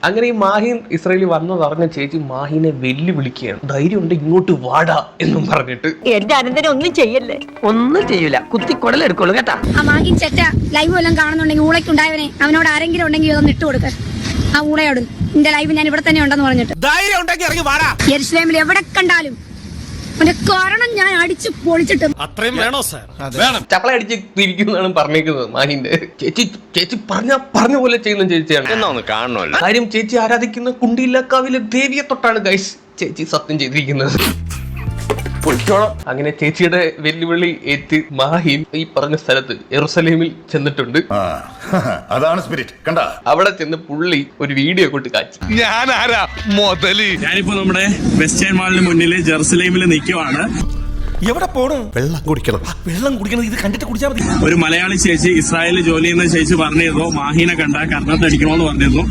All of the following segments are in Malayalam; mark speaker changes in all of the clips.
Speaker 1: അങ്ങനെ ഈ മാഹിൻ ഇസ്രായേലിൽ വന്നതറിഞ്ഞ ചേച്ചി മാഹിനെ വെല്ലുവിളിക്കുകയാണ്. ധൈര്യം ഉണ്ട് ഇങ്ങോട്ട് വാടാ എന്നും പറഞ്ഞിട്ട്.
Speaker 2: എന്റെ അനന്തരം ഒന്നും ചെയ്യല്ലേ, ഒന്നും ചെയ്യൂല, കുത്തിക്കൊടലെടുക്കുള്ളൂ കേട്ടാ.
Speaker 3: ആ മാഹിൻ ചെറ്റ ലൈവ് വല്ലതും കാണുന്നുണ്ടെങ്കിൽ ഊളയ്ക്കുണ്ടായവനെ അവനോട് ആരെങ്കിലും ഉണ്ടെങ്കിൽ ഇതൊന്ന് ഇട്ട് കൊടുക്ക. ആ ഊളയോട് എന്റെ ലൈവ് ഞാൻ ഇവിടെ തന്നെ ഉണ്ടെന്ന് പറഞ്ഞിട്ട് യെരുശലേമിൽ എവിടെ കണ്ടാലും കാരണം ഞാൻ അടിച്ച് പൊളിച്ചിട്ട്
Speaker 4: അത്രയും വേണോ സാർ?
Speaker 1: ചപ്പള അടിച്ച് തിരിക്കുന്നതാണ് പറഞ്ഞേക്കുന്നത് മാഹിന്റെ. ചേച്ചി പറഞ്ഞ പോലെ ചെയ്യുന്ന ചേച്ചിയാണ്.
Speaker 4: എന്നാ കാണണമല്ലോ.
Speaker 1: കാര്യം ചേച്ചി ആരാധിക്കുന്ന കുണ്ടിയിലക്കാവിലെ ദേവിയെ തൊട്ടാണ് ഗൈസ് ചേച്ചി സത്യം ചെയ്തിരിക്കുന്നത്. അങ്ങനെ ചേച്ചിയുടെ വെല്ലുവിളി ഏറ്റ് മാഹിൻ ഈ പറഞ്ഞ സ്ഥലത്ത് യെരുശലേമിൽ ചെന്നിട്ടുണ്ട്.
Speaker 5: അതാണ് സ്പിരിറ്റ്. കണ്ടാ
Speaker 1: അവിടെ ചെന്ന് പുള്ളി ഒരു വീഡിയോ കൊണ്ട് കാച്ചി.
Speaker 6: ഞാനിപ്പോ നമ്മുടെ വെസ്റ്റേൺ മാളിന് മുന്നിൽ ജെറുസലേമിൽ നിൽക്കുവാണ്.
Speaker 4: എവിടെ പോണു? വെള്ളം കുടിക്കണം. വെള്ളം കുടിക്കണം. ഇത് കണ്ടിട്ട് കുടിച്ചാൽ മതി.
Speaker 6: ഒരു മലയാളി ചേച്ചി ഇസ്രായേലിൽ ജോലി ചെയ്യുന്ന ചേച്ചി പറഞ്ഞിരുന്നു മാഹിനെ കണ്ട കർണത്തടിക്കണോന്ന് പറഞ്ഞിരുന്നു.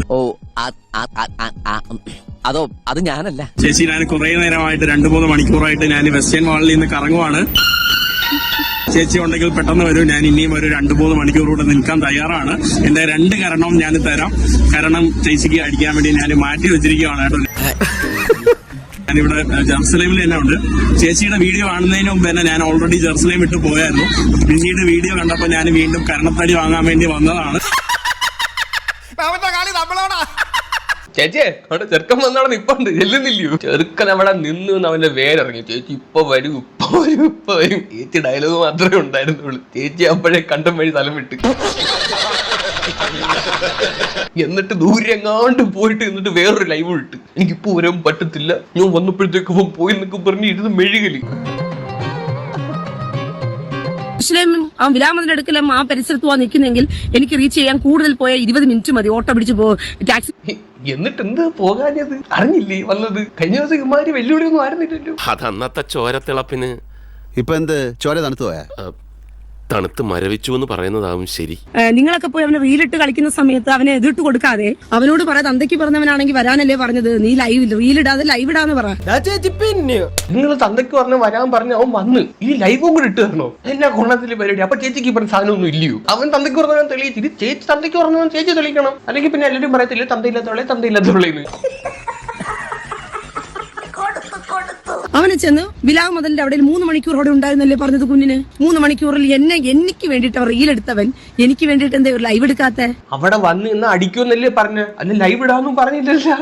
Speaker 2: അതോ അത് ഞാനല്ല
Speaker 6: ചേച്ചി. ഞാൻ കുറെ നേരമായിട്ട് 2-3 മണിക്കൂറായിട്ട് ഞാൻ വെസ്റ്റേൺ മാളിൽ നിന്ന് കറങ്ങുവാണ്. ചേച്ചി ഉണ്ടെങ്കിൽ പെട്ടെന്ന് വരും. ഞാൻ ഇനിയും ഒരു 2-3 മണിക്കൂർ കൂടെ നിൽക്കാൻ തയ്യാറാണ്. എന്റെ 2 കരണവും ഞാൻ തരാം. കാരണം ചേച്ചിക്ക് അടിക്കാൻ വേണ്ടി ഞാൻ മാറ്റി വെച്ചിരിക്കുകയാണ് കേട്ടോ. ഞാനിവിടെ ജെറുസലേമിൽ തന്നെ ഉണ്ട്. ചേച്ചിയുടെ വീഡിയോ കാണുന്നതിന് മുമ്പ് തന്നെ ഞാൻ ഓൾറെഡി ജെറുസലേം വിട്ട് പോയായിരുന്നു. പിന്നീട് വീഡിയോ കണ്ടപ്പോൾ ഞാൻ വീണ്ടും കരണത്തടി വാങ്ങാൻ വേണ്ടി വന്നതാണ്.
Speaker 1: ചേച്ചിയെ അവിടെ ചെറുക്കൻ വന്നവിടെ നിപ്പുണ്ട്, ചെല്ലുന്നില്ലയോ? ചെറുക്കൻ അവിടെ നിന്ന് അവന്റെ വേരിറങ്ങി. ചേച്ചി ഇപ്പൊ വരും. ചേച്ചി ഡയലോഗ് മാത്രമേ ഉണ്ടായിരുന്നുള്ളൂ. ചേച്ചി അപ്പോഴേ കണ്ടം വഴി സ്ഥലം വിട്ട്. എന്നിട്ട് ദൂരെ എങ്ങാണ്ട് പോയിട്ട് എന്നിട്ട് വേറൊരു ലൈവ് ഇട്ട്. എനിക്കിപ്പോ വരാൻ പറ്റത്തില്ല, ഞാൻ വന്നപ്പോഴത്തേക്ക് പോയി എന്നൊക്കെ പറഞ്ഞ് ഇരുന്ന് മെഴുകലി.
Speaker 7: ആ വിലാമതിന്റെ അടുക്കലും ആ പരിസരത്ത് പോകാൻ നിൽക്കുന്നെങ്കിൽ എനിക്ക് റീച്ച് ചെയ്യാൻ കൂടുതൽ പോയ 20 മിനിറ്റ് മതി. ഓട്ടോ പിടിച്ച് ടാക്സി.
Speaker 1: എന്നിട്ട് എന്ത് പോകാഞ്ഞത് അറിഞ്ഞില്ലേ വന്നത്? കഴിഞ്ഞ ദിവസം ഇമാര് വെല്ലുവിളിയൊന്നും ആയിരുന്നില്ലല്ലോ.
Speaker 4: അത് അന്നത്തെ ചോരത്തിളപ്പിന്.
Speaker 8: ഇപ്പൊ എന്ത് ചോര തണുത്തു പോയാ?
Speaker 4: തണുത്ത് മരവിച്ചു എന്ന് പറയുന്നതാവും ശരി.
Speaker 7: നിങ്ങളൊക്കെ പോയി അവനെ റീലിട്ട് കളിക്കുന്ന സമയത്ത് അവനെ എതിർട്ട് കൊടുക്കാതെ അവനോട് പറയാം. തന്തയ്ക്ക് പറഞ്ഞവനാണെങ്കിൽ വരാനല്ലേ പറഞ്ഞത്, നീ റീലിടാതെ ലൈവ് ഇടാന്ന് പറ.
Speaker 1: നിങ്ങൾ തന്തയ്ക്ക് പറഞ്ഞ വരാൻ പറഞ്ഞ അവൻ വന്ന് ഈ ലൈവും കൂടെ ഇട്ട് തരണോ? എന്നാ കൊള്ളത്തിൽ പരിപാടി. അപ്പൊ ചേച്ചിക്ക് പറഞ്ഞ സാധനമൊന്നും ഇല്ലയോ? അവൻ തന്തയ്ക്ക് പറഞ്ഞവൻ തെളിയിച്ചിട്ട് ചേച്ചി തന്തയ്ക്ക് പറഞ്ഞവൻ ചേച്ചി തെളിയിക്കണം. അല്ലെങ്കിൽ പിന്നെ എല്ലാവരും പറയത്തില്ല തന്തയില്ലാത്തവളെ.
Speaker 7: അവനെ ചെന്ന് വിലാവ് മുതലിന്റെ അവിടെ 3 മണിക്കൂർ അവിടെ ഉണ്ടായിരുന്നല്ലേ പറഞ്ഞത് കുഞ്ഞിന്. 3 മണിക്കൂറിൽ എനിക്ക് വേണ്ടിട്ട് അവർ റീലെടുത്തവൻ എനിക്ക് വേണ്ടിട്ട് എന്താ ലൈവ് എടുക്കാത്ത?
Speaker 1: അവിടെ വന്ന് ഇന്ന് അടിക്കുമെന്നല്ലേ പറഞ്ഞ, അല്ല ലൈവ് ഇടാന്നും പറഞ്ഞില്ലല്ല.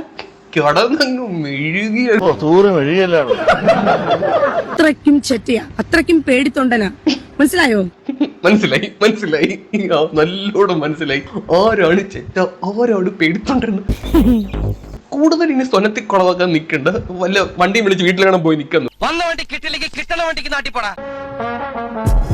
Speaker 7: അത്രയ്ക്കും ചെറ്റയാ, അത്രയ്ക്കും പേടിത്തൊണ്ടനാ. മനസ്സിലായോ?
Speaker 1: മനസ്സിലായി നല്ലോണം മനസ്സിലായി. ആരാണ് ചെറ്റ, ആരാണ് പേടിത്തൊണ്ടെന്ന്. കൂടുതൽ ഇനി സ്വനത്തിൽ കുളവാക്കാൻ നിൽക്കണ്ട. വല്ല വണ്ടിയും വിളിച്ച് വീട്ടിലാണ് പോയി നിൽക്കുന്നു.
Speaker 2: വന്ന വണ്ടി കിട്ടില്ലെങ്കിൽ കിട്ടണ വണ്ടിക്ക് നാട്ടിപ്പോടാ.